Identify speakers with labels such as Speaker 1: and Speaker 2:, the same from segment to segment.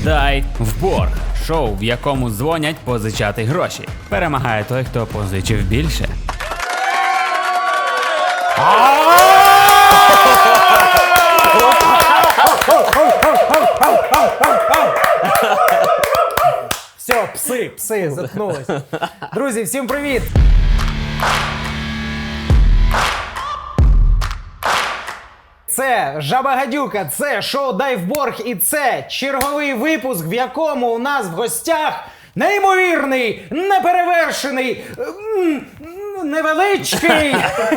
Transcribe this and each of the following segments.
Speaker 1: Дай в борг. Шоу, в якому дзвонять позичати гроші. Перемагає той, хто позичив більше.
Speaker 2: Все, пси, заткнулись. Друзі, всім привіт! Це Жаба Гадюка, це шоу «Дай в борг» і це черговий випуск, в якому у нас в гостях неймовірний, неперевершений, невеличкий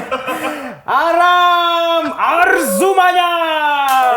Speaker 2: Арам Арзуманян!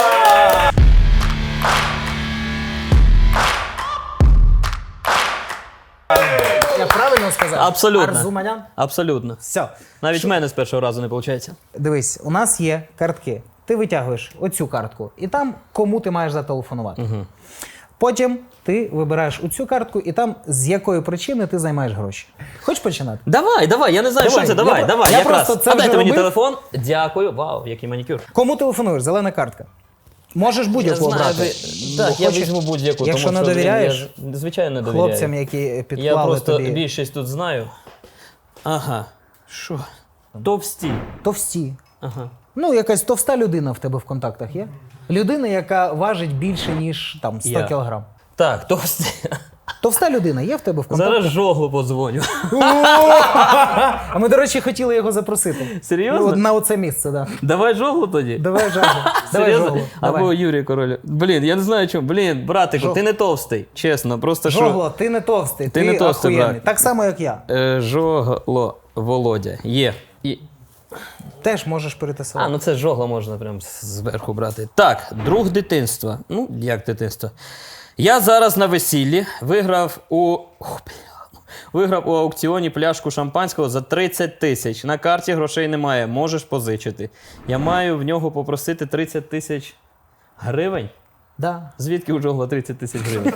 Speaker 2: Я правильно сказав?
Speaker 3: Абсолютно.
Speaker 2: Арзуманян?
Speaker 3: Абсолютно.
Speaker 2: Все.
Speaker 3: Навіть в мене з першого разу не виходить.
Speaker 2: Дивись, у нас є картки. Ти витягуєш оцю картку, і там кому ти маєш зателефонувати. Угу. Потім ти вибираєш оцю картку, і там з якої причини ти займаєш гроші. Хочеш починати?
Speaker 3: Давай, я не знаю, що це. Давай.
Speaker 2: Я
Speaker 3: Якраз.
Speaker 2: просто це
Speaker 3: А
Speaker 2: вже
Speaker 3: дайте мені
Speaker 2: робив.
Speaker 3: телефон. Дякую. Вау, який манікюр.
Speaker 2: Кому телефонуєш? Зелена картка. Можеш будь-яку обрати.
Speaker 3: Так, я
Speaker 2: хочеш-
Speaker 3: візьму будь-яку.
Speaker 2: Якщо
Speaker 3: тому
Speaker 2: не
Speaker 3: що,
Speaker 2: довіряєш
Speaker 3: я, звичайно, не довіряю.
Speaker 2: хлопцям, які підклали
Speaker 3: Я просто
Speaker 2: тобі.
Speaker 3: більшість тут знаю. Ага. Що? Товсті.
Speaker 2: Товсті.
Speaker 3: Ага.
Speaker 2: Ну, якась товста людина в тебе в контактах є? Людина, яка важить більше, ніж там 100
Speaker 3: Я.
Speaker 2: кілограм.
Speaker 3: Так, товсті.
Speaker 2: Товста людина є в тебе в контактах?
Speaker 3: Зараз Жоглу подзвоню.
Speaker 2: А ми, до речі, хотіли його запросити.
Speaker 3: Серйозно?
Speaker 2: Ну, на оце місце, так. Да.
Speaker 3: Давай Жоглу тоді.
Speaker 2: Давай Жагу. Давай
Speaker 3: Серйозно?
Speaker 2: Жоглу.
Speaker 3: Або
Speaker 2: Давай.
Speaker 3: Юрій Король. Блін, я не знаю чому. Блін, братику, ти не товстий. Чесно, просто що...
Speaker 2: Жогло, ти не товстий,
Speaker 3: Ти
Speaker 2: ти
Speaker 3: не товстий,
Speaker 2: охуєнний.
Speaker 3: брат.
Speaker 2: Так само, як я.
Speaker 3: Жогло Володя. Є. І...
Speaker 2: Теж можеш перетасувати.
Speaker 3: ну це Жогла можна прям зверху брати. Так, друг дитинства. Ну, як дитинство? Я зараз на весіллі виграв у аукціоні пляшку шампанського за 30 тисяч. На карті грошей немає, можеш позичити. Я маю в нього попросити 30 тисяч гривень?
Speaker 2: Да.
Speaker 3: Звідки у Жогла 30 тисяч гривень?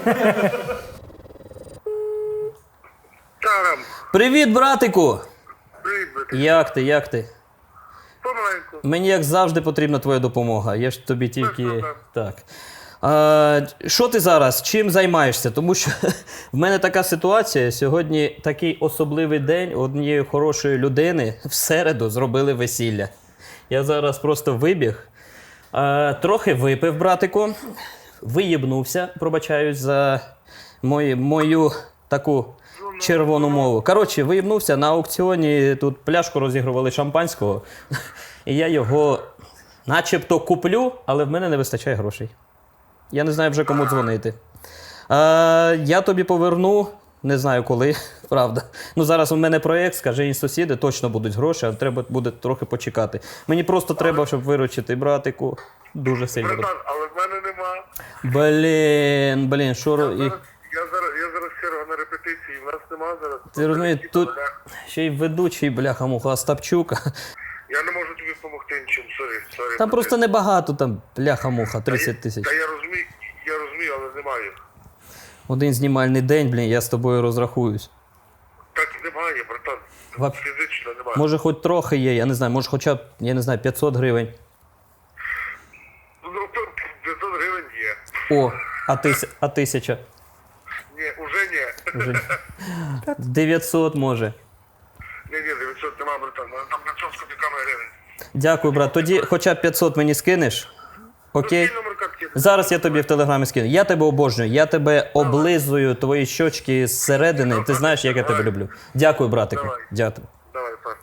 Speaker 4: Тарам,
Speaker 3: Привіт, братику!
Speaker 4: привіт, брат.
Speaker 3: Як ти?
Speaker 4: Помаленьку.
Speaker 3: Мені, як завжди, потрібна твоя допомога. Я ж тобі тільки...
Speaker 4: проблем.
Speaker 3: Так. Що ти зараз? Чим займаєшся? Тому що в мене така ситуація. Сьогодні такий особливий день. Однієї хорошої людини в середу зробили весілля. Я зараз просто вибіг. Трохи випив, братику. Виїбнувся, пробачаюсь за мою таку червону мову. Коротше, виїбнувся. На аукціоні тут пляшку розігрували шампанського. І я його начебто куплю, але в мене не вистачає грошей. Я не знаю вже кому дзвонити. Я тобі поверну, не знаю коли, правда. Ну зараз у мене проєкт, скажи сусіди, точно будуть гроші, а треба буде трохи почекати. Мені просто треба, щоб виручити братику. Дуже сильно.
Speaker 4: Братан, але в мене нема.
Speaker 3: Блін, що...
Speaker 4: Я зараз черга на репетиції, в нас нема зараз.
Speaker 3: Ти розумієш, тут ще й ведучий, бляха-муха, Остапчука.
Speaker 4: Я не можу тобі допомогти нічим, сорі.
Speaker 3: Там просто небагато, там, бляха-муха, 30 тисяч.
Speaker 4: Та я розумію, але немає.
Speaker 3: Один знімальний день, блін, я з тобою розрахуюсь.
Speaker 4: Так немає, братан. Фізично немає.
Speaker 3: Може, хоч трохи є, я не знаю, може хоча б, 500 гривень.
Speaker 4: Ну, 500 гривень є.
Speaker 3: О, а 1000?
Speaker 4: Ні, уже ні.
Speaker 3: 900 може.
Speaker 4: Ні, 900 нема, братан. Там 500 з копійками гривень.
Speaker 3: Дякую, брат. Тоді хоча б 500 мені скинеш. Окей?
Speaker 4: Який номер картки?
Speaker 3: Зараз я тобі в телеграмі скину. Я тебе обожнюю, я тебе облизую, твої щочки зсередини. Ти знаєш, як я тебе люблю. Дякую, братику.
Speaker 4: Давай.
Speaker 3: Дякую.
Speaker 4: Давай, пар.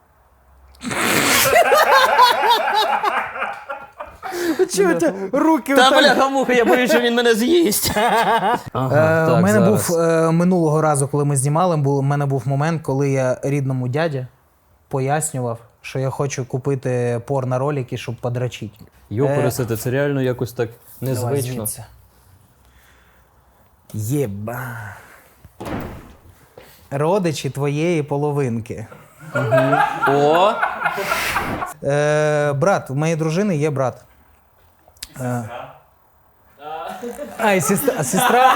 Speaker 2: Чого у тебе руки
Speaker 3: Та
Speaker 2: отак?
Speaker 3: бляха-муха, я боюсь, що він мене з'їсть.
Speaker 2: У мене був минулого разу, коли ми знімали, у мене був момент, коли я рідному дяді пояснював, що я хочу купити порно-ролики, щоб подрачити.
Speaker 3: Йопоресете, це реально якось так незвично.
Speaker 2: Єба. Родичі твоєї половинки.
Speaker 3: О!
Speaker 2: Брат, у моєї дружини є брат. І сестра.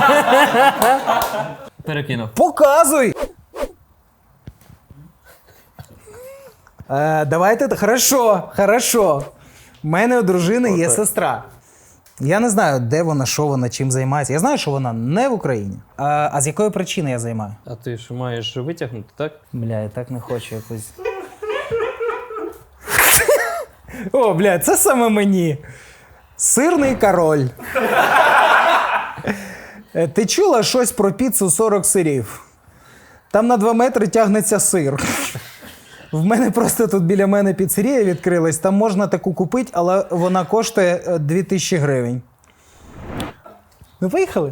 Speaker 3: Перекинув.
Speaker 2: Показуй! Давайте, хорошо. У мене у дружини є сестра. Я не знаю, де вона, що вона, чим займається. Я знаю, що вона не в Україні. А з якої причини я займаю?
Speaker 3: А ти ж маєш витягнути, так?
Speaker 2: Бля, я так не хочу якось. О, бля, це саме мені. Сирний король. Ти чула щось про піцу 40 сирів? Там на 2 метри тягнеться сир. В мене просто тут біля мене піцерія відкрилась, там можна таку купити, але вона коштує 2000 гривень. Ну, поїхали.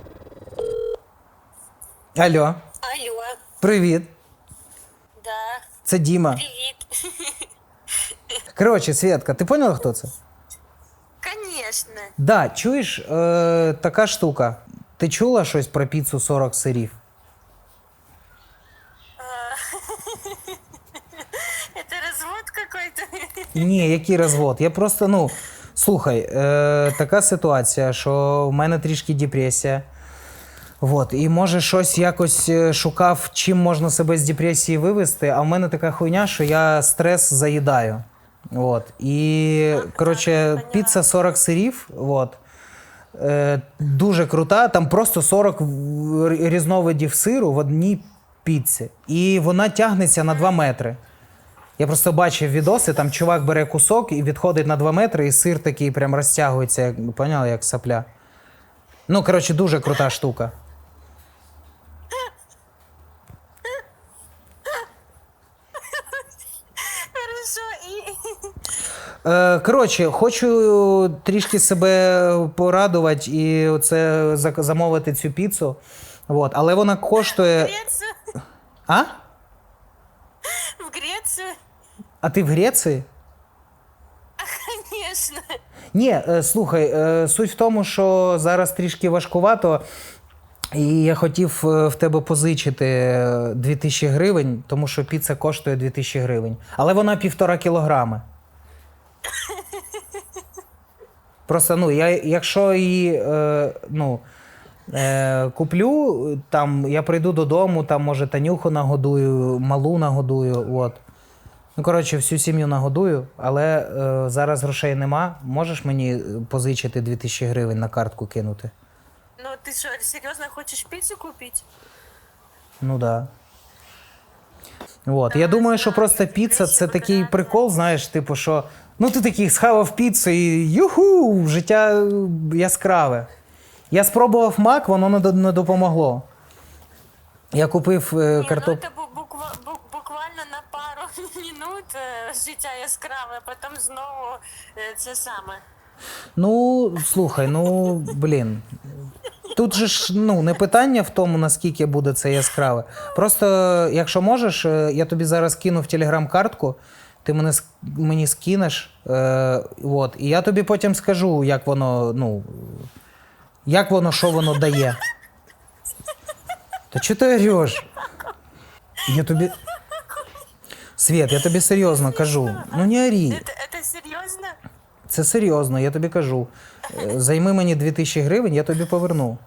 Speaker 2: Алло,
Speaker 5: Алло,
Speaker 2: привіт.
Speaker 5: да,
Speaker 2: Це Діма.
Speaker 5: привет.
Speaker 2: Коротше, Свєтка, ти поняла, хто це?
Speaker 5: Конечно.
Speaker 2: Да, чуєш, така штука. Ти чула щось про піцу 40 сирів?
Speaker 5: Это развод какой-то?
Speaker 2: Ні, який розвод? Я просто, ну, слухай, така ситуація, що в мене трішки депресія. Вот, і може щось якось шукав, чим можна себе з депресії вивести, а в мене така хуйня, що я стрес заїдаю. Вот. І, коротше, піца 40 сирів, вот, дуже крута, там просто 40 різновидів сиру в одній піці. І вона тягнеться на 2 метри. Я просто бачив відоси, там чувак бере кусок і відходить на 2 метри, і сир такий прям розтягується, як, поняли, як сопля. Ну, коротше, дуже крута штука.
Speaker 5: Хорошо, и...
Speaker 2: Коротше, хочу трішки себе порадувати і оце замовити цю піцу. Вот. Але вона коштує.
Speaker 5: Грецию?
Speaker 2: А?
Speaker 5: В Грецию?
Speaker 2: А ти в Греції?
Speaker 5: Конечно.
Speaker 2: Ні, слухай, суть в тому, що зараз трішки важкувато, і я хотів в тебе позичити 2000 гривень, тому що піца коштує 2000 гривень. Але вона 1,5 кілограми. Просто, ну, якщо її, куплю, там, я прийду додому, там, може, Танюху нагодую, малу нагодую, от. Ну, коротше, всю сім'ю нагодую, але зараз грошей нема. Можеш мені позичити 2000 гривень на картку кинути?
Speaker 5: Ну, ты что, серьезно хочешь пиццу купить?
Speaker 2: Ну, да. От. Я думаю, що просто піца – це такий прикол, знаєш, типу, що ну ти такий схавав піцу і юху, життя яскраве. Я спробував мак, воно не допомогло. Я купив
Speaker 5: Не,
Speaker 2: картоп...
Speaker 5: ну это буквально на пару минут життя яскраве, а потім знову це саме.
Speaker 2: Ну, слухай, ну, блін. Тут же ж, ну, не питання в тому, наскільки буде це яскраве. Просто, якщо можеш, я тобі зараз кину в телеграм-картку, ти мені скинеш, от, і я тобі потім скажу, як воно, ну, що воно дає. Та чого ти орєш? Я тобі... Свєт, я тобі серйозно кажу. Ну не орі.
Speaker 5: Это серйозно?
Speaker 2: Це серйозно, я тобі кажу. Займи мені 2000 гривень, я тобі поверну.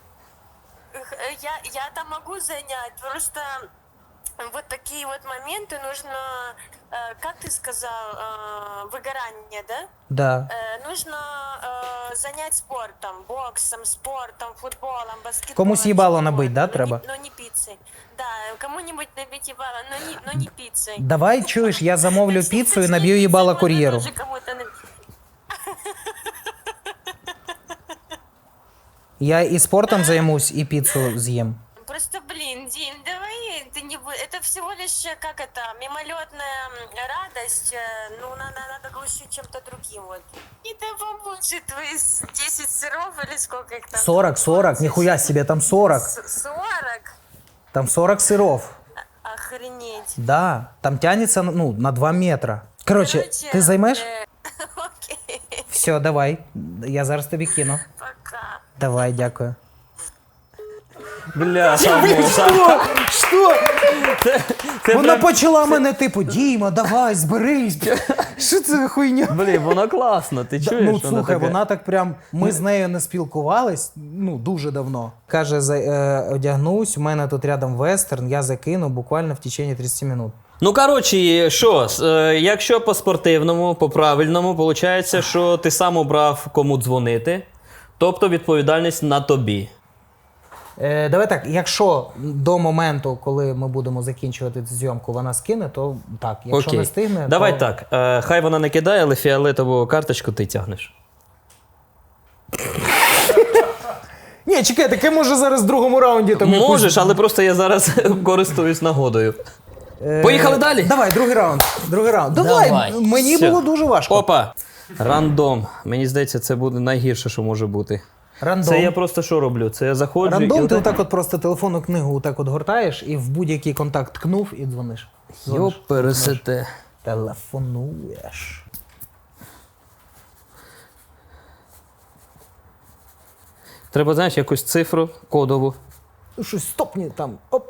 Speaker 5: Я там могу занять, просто вот такие вот моменты нужно, как ты сказал, выгорание, да?
Speaker 2: Да.
Speaker 5: Нужно занять спортом, боксом, спортом, футболом, баскетболом.
Speaker 2: Комусь їбало
Speaker 5: чего
Speaker 2: набить, да,
Speaker 5: угодно,
Speaker 2: треба?
Speaker 5: Но не пиццей. Да, кому-нибудь набить ебало, но не пиццей.
Speaker 2: Давай, чуєш, я замовлю піцу і наб'ю їбало кур'єру.
Speaker 5: Можно тоже кому-то набить.
Speaker 2: Я і спортом займусь, і піцу з'їм.
Speaker 5: Просто, блин, Дим, давай ты не будешь. Это всего лишь, как это, мимолетная радость. Ну, надо глушить чем-то другим. Вот. И да поможет твои 10 сыров или сколько их там?
Speaker 2: 40, ніхуя себе, там 40.
Speaker 5: 40?
Speaker 2: Там 40 сиров.
Speaker 5: Охренеть.
Speaker 2: Да, там тянется, ну, на 2 метра. Короче, ти займеш?
Speaker 5: Окей,
Speaker 2: Все, давай. Я зараз тобі кину.
Speaker 5: пока.
Speaker 2: Давай, дякую.
Speaker 3: Бля,
Speaker 2: Що?
Speaker 3: це
Speaker 2: Вона
Speaker 3: прям-
Speaker 2: почала мене, типу, Діма, давай, зберись. Що це за хуйня?
Speaker 3: Блін, воно класно, ти чуєш?
Speaker 2: Ну, слухай,
Speaker 3: таке-
Speaker 2: вона так прям. Ми з нею не спілкувались, ну, дуже давно. Каже, одягнусь, у мене тут рядом вестерн, я закину буквально в течение 30 минут.
Speaker 3: Ну, коротше, що, якщо по спортивному, по правильному, виходить, що ти сам обрав, кому дзвонити, тобто відповідальність на тобі.
Speaker 2: Давай так, якщо до моменту, коли ми будемо закінчувати цю зйомку, вона скине, то так. Якщо
Speaker 3: Окей.
Speaker 2: не стигне,
Speaker 3: Давай
Speaker 2: то...
Speaker 3: так, хай вона не кидає, але фіолетову карточку ти тягнеш.
Speaker 2: Ні, чекай, таке може зараз в другому раунді там
Speaker 3: Можеш, але просто я зараз користуюсь нагодою. Поїхали далі?
Speaker 2: Давай, другий раунд. Давай, мені
Speaker 3: Все.
Speaker 2: було дуже важко.
Speaker 3: Опа. Рандом. Мені здається, це буде найгірше, що може бути.
Speaker 2: Рандом.
Speaker 3: Це я просто що роблю? Це я заходжу
Speaker 2: Рандом,
Speaker 3: і
Speaker 2: ти отак от просто телефонну книгу отак от гортаєш і в будь-який контакт ткнув і дзвониш.
Speaker 3: Йоп, пересете.
Speaker 2: Телефонуєш.
Speaker 3: Треба, знаєш, якусь цифру кодову.
Speaker 2: Щось стопні там. Оп.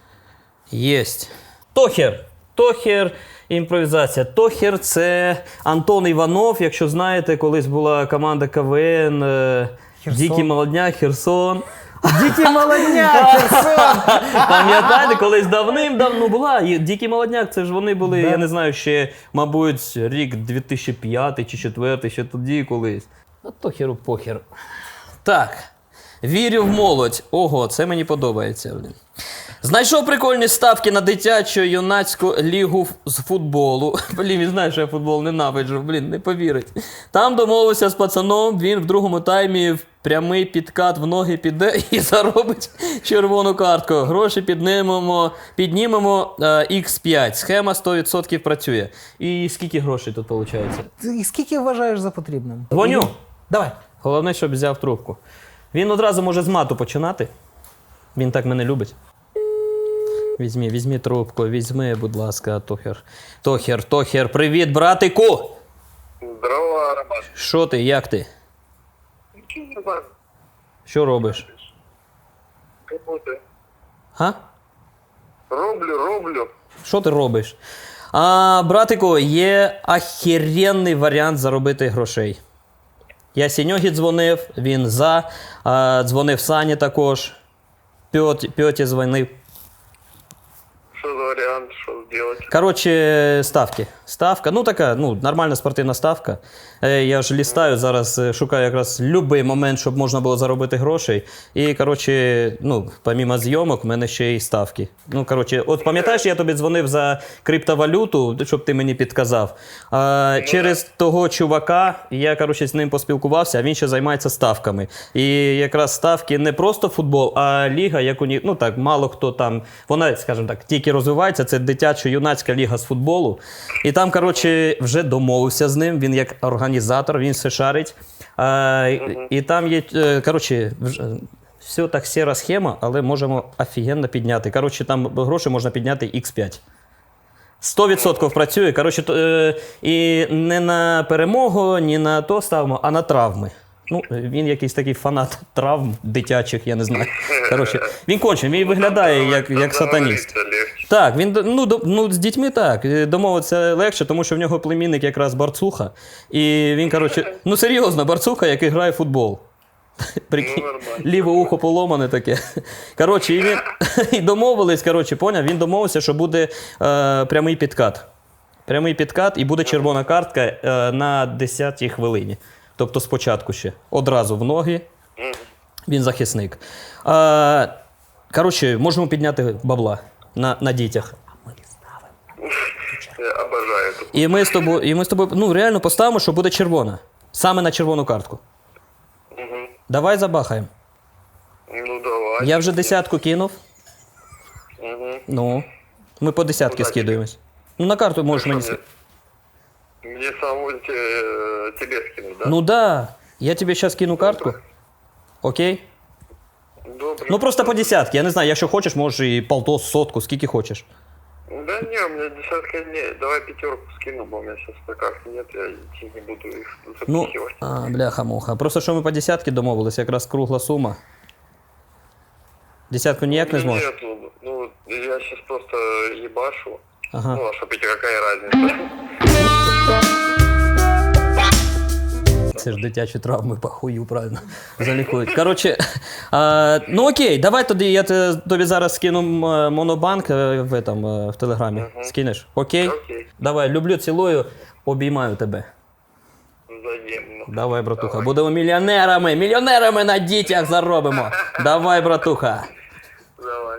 Speaker 3: Єсть. Тохер. Тохер, імпровізація. Тохер – це Антон Іванов. Якщо знаєте, колись була команда КВН
Speaker 2: Херсон.
Speaker 3: Дикий Молодняк, Херсон.
Speaker 2: Дикий молодняк, Херсон!
Speaker 3: Пам'ятаєте, колись давним-давно була. І Дикий Молодняк, це ж вони були, я не знаю, ще, мабуть, рік 2005 чи 2004, ще тоді колись. А Тохеру похер. Так. Вірю в молодь. Ого, це мені подобається. Блін. Знайшов прикольні ставки на дитячо-юнацьку лігу з футболу. Блін, він знає, що я футбол ненавиджу. Блін, не повірить. Там домовився з пацаном, він в другому таймі в прямий підкат в ноги піде і заробить червону картку. Гроші піднімемо X5. Схема 100% працює. І скільки грошей тут виходить?
Speaker 2: І скільки вважаєш за потрібним?
Speaker 3: Дзвоню.
Speaker 2: Давай.
Speaker 3: Головне, щоб взяв трубку. Він одразу може з мату починати. Він так мене любить. Візьмі трубку, візьми, будь ласка, Тохер. Тохер, привіт, братику!
Speaker 4: Здорово, Роман.
Speaker 3: Що ти, як ти?
Speaker 4: Ничего не знаю.
Speaker 3: Що робиш?
Speaker 4: Кому ты?
Speaker 3: Га?
Speaker 4: Роблю.
Speaker 3: Що ти робиш? Братику, є ахеренний варіант заробити грошей. Я Сіньогі дзвонив, він за, дзвонив Сані також, Пьоті дзвонив.
Speaker 4: Что за вариант, что сделать?
Speaker 3: Коротше, ставки. Ставка, ну така, нормальна спортивна ставка. Я ж лістаю зараз, шукаю якраз будь-який момент, щоб можна було заробити грошей. І, коротше, помімо зйомок, в мене ще й ставки. От пам'ятаєш, я тобі дзвонив за криптовалюту, щоб ти мені підказав. Через того чувака, я, коротше, з ним поспілкувався, а він ще займається ставками. І якраз ставки не просто футбол, а ліга, як мало хто там, вона, скажімо так, тільки розвивається, це дитячо-юнацька ліга з футболу. І там, коротше, вже домовився з ним, він як організатор, він все шарить. І там є, коротше, все так сіра схема, але можемо офігенно підняти. Коротше, там гроші можна підняти X5. 100% працює. Коротше, і не на перемогу, ні на то ставимо, а на травми. Він якийсь такий фанат травм дитячих, я не знаю. Коротше, він конче, він виглядає як сатаніст. Так, він з дітьми так. Домовитися легше, тому що в нього племінник якраз Барцуха. І він, коротше, серйозно, Барцуха, який грає в футбол. Прикинь, ліве ухо поломане таке. Коротше, і він і домовились, поняв, він домовився, що буде прямий підкат. Прямий підкат і буде червона картка на 10-й хвилині. Тобто спочатку ще. Одразу в ноги. Він захисник. Коротше, можемо підняти бабла на дітях.
Speaker 4: Я обожаю это.
Speaker 3: І ми з тобою реально поставимо, що буде червона. Саме на червону картку. Давай забахаємо.
Speaker 4: Ну, давай.
Speaker 3: Я вже 10 кинув. Ми по 10 скидуємось. На карту можеш мені скинути.
Speaker 4: Мне самому тебе скинуть, да?
Speaker 3: Да. Я тобі зараз кину картку. Окей?
Speaker 4: Добре.
Speaker 3: Просто по 10. Я не знаю, якщо хочеш, можеш і полтос, сотку, скільки хочеш.
Speaker 4: Да не, у меня десятка не. Давай 5 скину, бо у меня сейчас на карте нет, я идти не буду их запихивать.
Speaker 3: Бляха-муха. Просто що ми по 10 домовились, якраз кругла сума. 10 ніяк не зможеш?
Speaker 4: Нет, я сейчас просто ебашу.
Speaker 3: Ага.
Speaker 4: А что, Петя, какая разница?
Speaker 3: Це ж дитячі травми по хую, правильно, залікують. Коротше, ну окей, давай тоді я тобі зараз скину монобанк в Телеграмі. Скинеш? Окей?
Speaker 4: Окей.
Speaker 3: Давай, люблю, цілую, обіймаю тебе.
Speaker 4: Взаємно.
Speaker 3: Давай, братуха, будемо мільйонерами на дітях заробимо. Давай, братуха.
Speaker 4: Давай.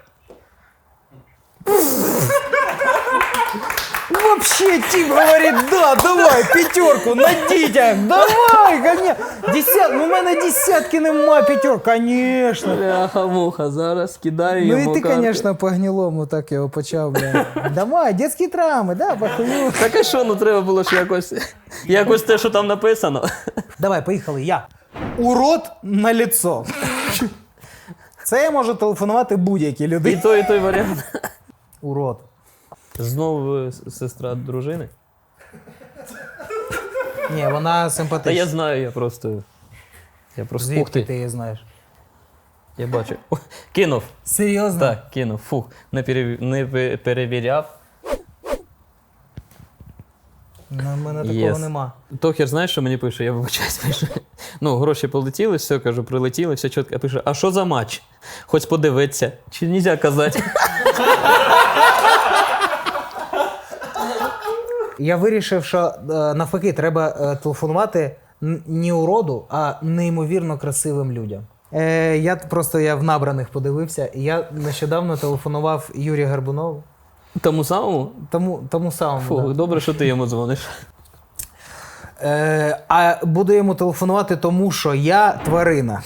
Speaker 2: Вообще, Тим говорит, да, давай, пятерку на дітях, давай, коня. Ну, в мене десятки нема, пятерка, конечно.
Speaker 3: Бляха-муха, зараз кидаю
Speaker 2: Ну
Speaker 3: йому
Speaker 2: і ти,
Speaker 3: карту.
Speaker 2: конечно, по гнилому так його почав, бля. Давай, детські травми, да, похую.
Speaker 3: Так а що, ну треба було ж якось те, що там написано.
Speaker 2: Давай, поїхали, я. Урод на лицо. Це я можу телефонувати будь-якій людині.
Speaker 3: І той варіант.
Speaker 2: Урод.
Speaker 3: Знову сестра дружини?
Speaker 2: Ні, вона
Speaker 3: Та
Speaker 2: симпатична.
Speaker 3: я знаю, я просто... Ух
Speaker 2: Звідки
Speaker 3: ти,
Speaker 2: ти її знаєш?
Speaker 3: я бачу. О, кинув.
Speaker 2: Серйозно?
Speaker 3: Так, кинув. Фух, не перевіряв.
Speaker 2: У мене такого
Speaker 3: Єс.
Speaker 2: нема.
Speaker 3: Тохер, знаєш, що мені пише? Я вибачаюсь, пише. Ну, гроші полетіли, все, кажу, прилетіли, все чітко. Пише, а що за матч? Хоч подивитися. Чи нельзя казати?
Speaker 2: Я вирішив, що навпаки, треба телефонувати не уроду, а неймовірно красивим людям. Я в набраних подивився. Я нещодавно телефонував Юрію Горбунову.
Speaker 3: Тому самому?
Speaker 2: Тому самому.
Speaker 3: Фух,
Speaker 2: Да.
Speaker 3: добре, що ти йому дзвониш.
Speaker 2: А буду йому телефонувати, тому що я тварина.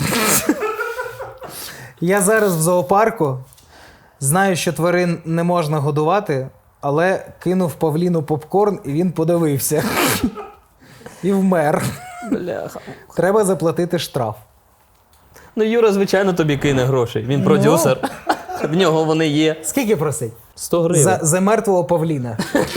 Speaker 2: Я зараз в зоопарку, знаю, що тварин не можна годувати, але кинув павліну попкорн і він подивився. І вмер.
Speaker 3: Бляха.
Speaker 2: Треба заплатити штраф.
Speaker 3: Ну, Юра, звичайно, тобі кине грошей. Він продюсер. В нього вони є.
Speaker 2: Скільки просить?
Speaker 3: 100 гривень.
Speaker 2: За мертвого павліна.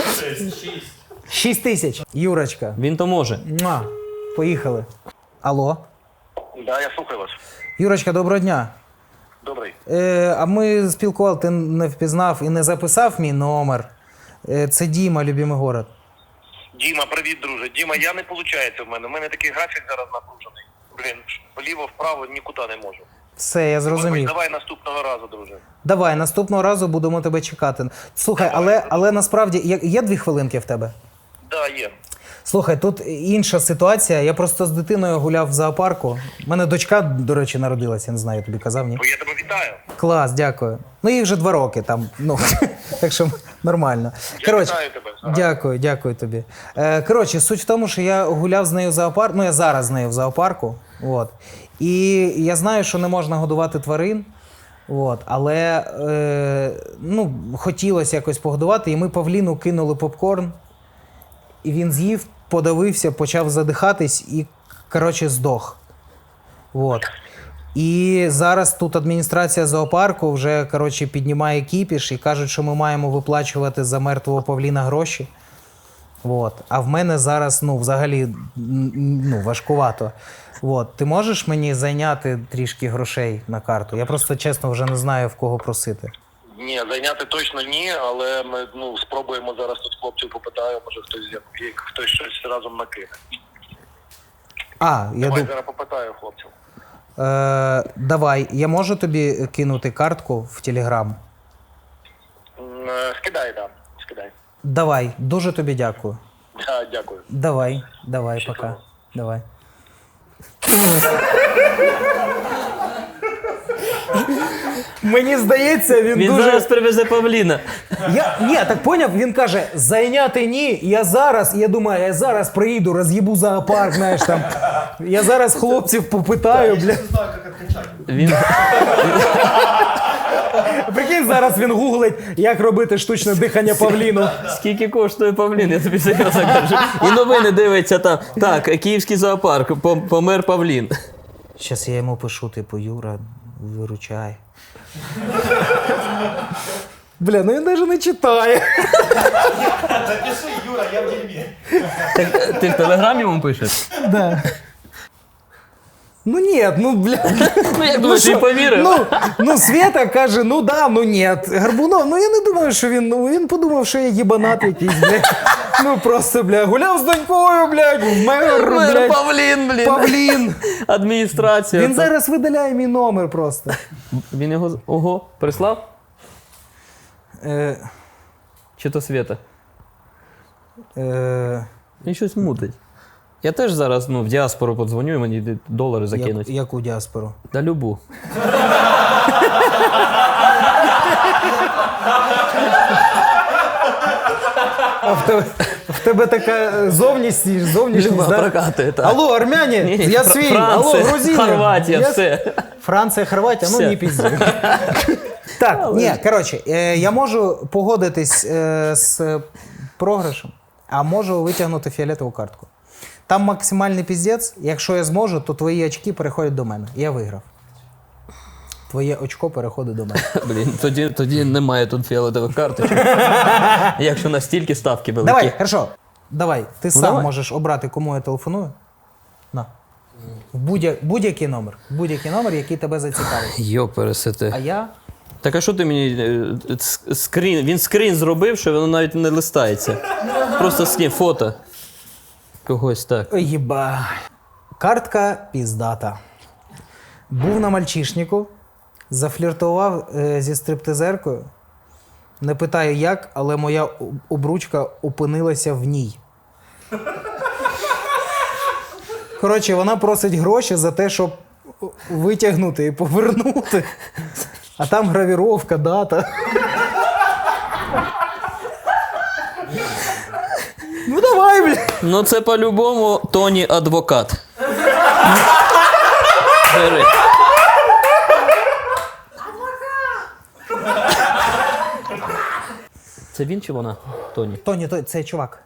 Speaker 2: 6 тисяч. Юрочка.
Speaker 3: Він то може.
Speaker 2: Муа. Поїхали. Алло.
Speaker 4: Да, я слухаю вас.
Speaker 2: Юрочка, доброго дня.
Speaker 4: Добрий.
Speaker 2: А ми спілкували, ти не впізнав і не записав мій номер. Це Діма, любимий город.
Speaker 4: Діма, привіт, друже. Діма, я не виходить в мене. У мене такий графік зараз напружений. Блін, вліво-вправо нікуди не можу.
Speaker 2: Все, я зрозумів.
Speaker 4: Давай наступного разу, друже.
Speaker 2: Давай, наступного разу будемо тебе чекати. Слухай, але насправді є 2 хвилинки в тебе?
Speaker 4: Да, є.
Speaker 2: Слухай, тут інша ситуація. Я просто з дитиною гуляв в зоопарку. У мене дочка, до речі, народилася, я не знаю, я тобі казав, ні?
Speaker 4: Бо я тебе вітаю.
Speaker 2: Клас, дякую. Ну, їй вже 2 роки там, ну, так що нормально.
Speaker 4: Я вітаю тебе. Ага.
Speaker 2: Дякую тобі. Коротше, суть в тому, що я гуляв з нею в зоопарку, ну, я зараз з нею в зоопарку, от. І я знаю, що не можна годувати тварин, от, але, ну, хотілося якось погодувати, і ми павліну кинули попкорн, і він з'їв, подавився, почав задихатись і, коротше, здох. От. І зараз тут адміністрація зоопарку вже, коротше, піднімає кіпіш і кажуть, що ми маємо виплачувати за мертвого павліна гроші. От. А в мене зараз, ну, взагалі, ну, важкувато. От. Ти можеш мені зайняти трішки грошей на карту? Я просто, чесно, вже не знаю, в кого просити.
Speaker 4: Ні, зайняти точно ні, але ми спробуємо зараз тут хлопців попитаю, може хтось щось разом накине. Давай зараз попитаю хлопців.
Speaker 2: Давай, я можу тобі кинути картку в Телеграм?
Speaker 4: Скидай, так. Скидай.
Speaker 2: Давай, дуже тобі дякую.
Speaker 4: Да, дякую.
Speaker 2: Давай, пока. Давай. Мені здається, він дуже...
Speaker 3: зараз привезе павліна.
Speaker 2: Ні, так поняв, він каже, зайняти ні, я думаю, я зараз приїду, роз'їбу зоопарк, знаєш, там. Я зараз хлопців попитаю, бля.
Speaker 3: Він...
Speaker 2: Прикинь, зараз він гуглить, як робити штучне дихання павліну.
Speaker 3: Скільки коштує павлін, я тобі серйозно кажу. І новини дивиться там. Так, київський зоопарк, помер павлін.
Speaker 2: Щас я йому пишу, типу, Юра, виручай. Бля, ну він навіть не читає.
Speaker 6: Напиши, Юра, я в дерьмі.
Speaker 3: Так, ти в Телеграмі йому пишеш?
Speaker 2: Да. Ну ні, ну блядь.
Speaker 3: Ну, як думаєш,
Speaker 2: що?
Speaker 3: він повірив?
Speaker 2: Ну, Света каже, ну да, ну ні. Горбунов, ну я не думаю, що він подумав, що я їбанат якийсь, блядь. Ну просто, блядь, гуляв з донькою, блядь, мер, блядь.
Speaker 3: Павлін, блін.
Speaker 2: Павлін.
Speaker 3: Адміністрація.
Speaker 2: Він зараз видаляє мій номер просто.
Speaker 3: Він його, ого, прислав?
Speaker 2: Е,
Speaker 3: Чи то Света?
Speaker 2: е,
Speaker 3: Він щось мутить. Я теж зараз в діаспору подзвоню і мені долари закинуть.
Speaker 2: яку діаспору?
Speaker 3: Да любу.
Speaker 2: А в тебе така зовнішність,
Speaker 3: Люба
Speaker 2: да?
Speaker 3: прокатує, так.
Speaker 2: Алло, армяне, я свій. Алло,
Speaker 3: Франція,
Speaker 2: грузини.
Speaker 3: Хорватія,
Speaker 2: Я-
Speaker 3: все.
Speaker 2: Франція, Хорватія, ну
Speaker 3: Все.
Speaker 2: не пізді. Так, ні, коротше, я можу погодитись з програшем, а можу витягнути фіолетову картку. Там максимальний піздець, якщо я зможу, то твої очки переходять до мене. Я виграв. Твоє очко переходить до мене.
Speaker 3: Блін, тоді немає тут фіолетових карточок. Якщо настільки ставки великі.
Speaker 2: Давай, хорошо. Давай, ти сам
Speaker 3: давай.
Speaker 2: можеш обрати, кому я телефоную. На. Будь-який номер. Будь-який номер, який тебе зацікавить.
Speaker 3: Йо, пересете.
Speaker 2: А я.
Speaker 3: Так а що ти мені скрін? Він скрін зробив, що воно навіть не листається. Просто скрін, фото. Когось так.
Speaker 2: Ой, єба. Картка піздата. Був на мальчишнику, зафліртував зі стриптизеркою. Не питаю як, але моя обручка опинилася в ній. Коротше, вона просить гроші за те, щоб витягнути і повернути. А там гравіровка, дата. Ну давай, бля.
Speaker 3: Ну це по-любому Тоні адвокат. Бери. Це він чи вона? Тоні.
Speaker 2: Тоні, це чувак.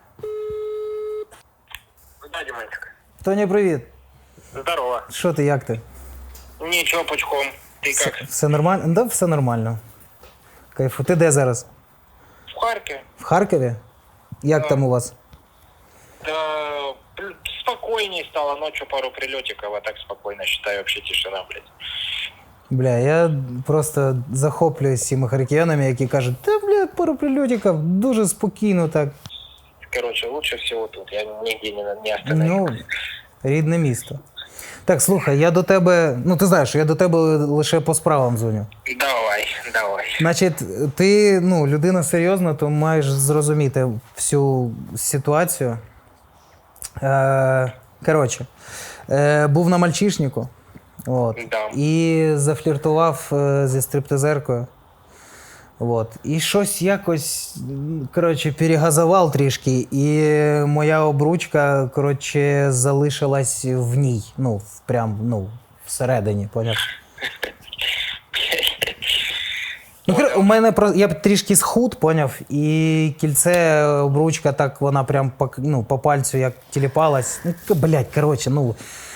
Speaker 4: Да, Димончик.
Speaker 2: Тоні, привіт.
Speaker 4: Здорово.
Speaker 2: Що ти, як ти?
Speaker 4: Ничего, пучком. Ты как?
Speaker 2: Все нормально? Да, все нормально. Кайфу. Ти де зараз?
Speaker 4: В Харькове?
Speaker 2: В Харкові? Як там у вас?
Speaker 4: Да, спокойнее стало. Ночью пару прилетиков, а так спокойно, считаю, вообще тишина, блядь.
Speaker 2: Бля, я просто захоплююсь цими харків'янами, які кажуть, та, бля, пару прильотиків, дуже спокійно так.
Speaker 4: Короче, лучше всего тут. Я нигде не остановлюсь.
Speaker 2: Ну, рідне місто. Так, слухай, я до тебе, ну ти знаєш, я до тебе лише по справам дзвоню.
Speaker 4: Давай.
Speaker 2: Значить, ти, ну, людина серйозна, то маєш зрозуміти всю ситуацію. Коротше, був на мальчишнику, от,
Speaker 4: Да.
Speaker 2: і зафліртував зі стриптизеркою. От. І щось якось, коротше, перегазував трішки, і моя обручка, коротше, залишилась в ній. Ну, прям, ну, всередині, поняв? Ну, у мене я трішки схуд, поняв, і кільце, обручка, так вона прям по пальцю як тіліпалась. Ну, блядь, коротше, ну.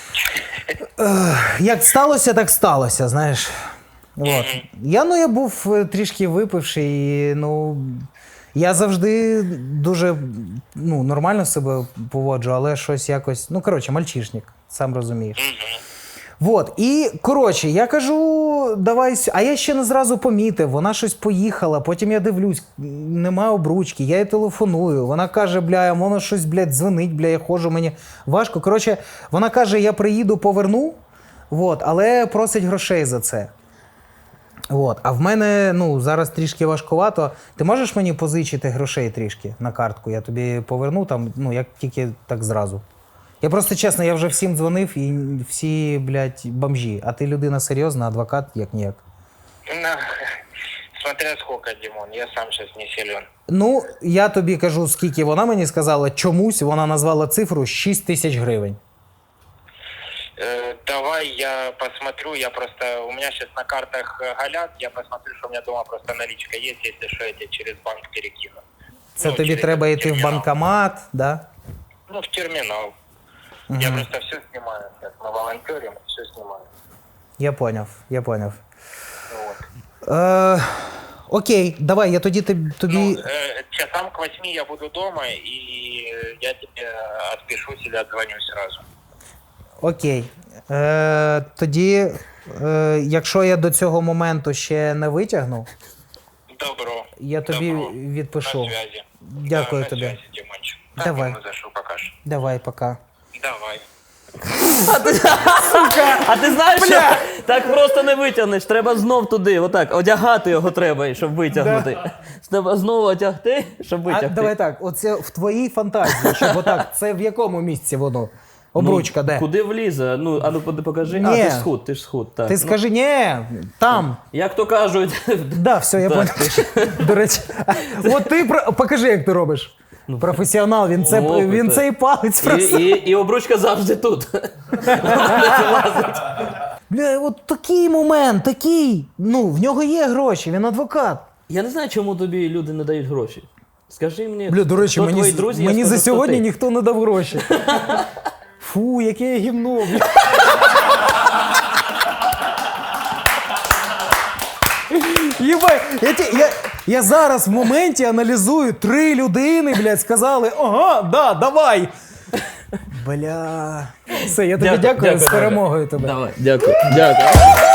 Speaker 2: Як сталося, так сталося, знаєш. От. Я був трішки випивший, і, ну, я завжди дуже, ну, нормально себе поводжу, але щось якось, ну, коротше, мальчишник, сам розумієш. Вот. І, коротше, я кажу, давай, а я ще не зразу помітив, вона щось поїхала, потім я дивлюсь, немає обручки, я їй телефоную, вона каже, бля, воно щось, блядь, дзвонить, бля, я ходжу, мені важко. Коротше, вона каже, я приїду, поверну, вот, але просить грошей за це. От. А в мене, ну, зараз трішки важкувато. Ти можеш мені позичити грошей трішки на картку? Я тобі поверну там, ну, як тільки так зразу. Я просто, чесно, я вже всім дзвонив і всі, блядь, бомжі. А ти людина серйозна, адвокат, як-ніяк.
Speaker 4: Ну, смотря сколько, Димон, я сам сейчас не силен.
Speaker 2: Ну, я тобі кажу, скільки вона мені сказала, чомусь вона назвала цифру 6 тисяч гривень.
Speaker 4: Давай я посмотрю, я просто, у меня сейчас на картах галят, я посмотрю, что у меня дома просто наличка есть, если что, я тебе через банк перекину.
Speaker 2: Це
Speaker 4: Ну,
Speaker 2: тобі
Speaker 4: через
Speaker 2: треба йти в
Speaker 4: термінал.
Speaker 2: банкомат, да?
Speaker 4: Ну, в терминал. Я просто все снимаю, сейчас мы волонтерим, все снимаю.
Speaker 2: Я поняв.
Speaker 4: Вот.
Speaker 2: Окей, давай, я тоді тобі...
Speaker 4: Ну, часам к 8 я буду дома, и я тебе отпишусь или отзвоню сразу.
Speaker 2: Окей. Тоді, якщо я до цього моменту ще не витягну,
Speaker 7: Добро.
Speaker 2: я тобі
Speaker 7: Добро.
Speaker 2: відпишу.
Speaker 7: На связи.
Speaker 2: Дякую
Speaker 7: на
Speaker 2: тобі.
Speaker 7: связи, Димончик.
Speaker 2: Давай.
Speaker 7: Так, зайшов, покаж.
Speaker 2: Давай, пока.
Speaker 7: Давай.
Speaker 3: А ти знаєш, що так просто не витягнеш. Треба знов туди, отак, одягати його треба, щоб витягнути. Треба знову одягти, щоб
Speaker 2: А
Speaker 3: витягти.
Speaker 2: давай так, оце в твоїй фантазії, щоб отак, це в якому місці воно? Обручка, де?
Speaker 3: Куди влізе? Ну, а ну покажи.
Speaker 2: Ні.
Speaker 3: А, ти ж схуд, так.
Speaker 2: Ти скажи, ні, там.
Speaker 3: Як то кажуть,
Speaker 2: Да, все, я
Speaker 3: Так,
Speaker 2: понял. До речі, от ти покажи, як ти робиш. Професіонал, він
Speaker 3: опит,
Speaker 2: цей палець просто.
Speaker 3: і обручка завжди тут.
Speaker 2: Бля, от такий момент, такий. Ну, в нього є гроші, він адвокат.
Speaker 3: Я не знаю, чому тобі люди не дають гроші. Скажи мені,
Speaker 2: Бля, до речі,
Speaker 3: хто твої
Speaker 2: мені,
Speaker 3: друзі, я
Speaker 2: мені
Speaker 3: скажу,
Speaker 2: за
Speaker 3: хто
Speaker 2: сьогодні
Speaker 3: ти.
Speaker 2: ніхто не дав гроші. Фу, яке я гімно, бля. Єбай, я зараз в моменті аналізую, 3 людини, блядь, сказали, ага, да, давай. Бля. Все, я тобі дякую, з
Speaker 3: дуже.
Speaker 2: перемогою тебе.
Speaker 3: Давай, дякую.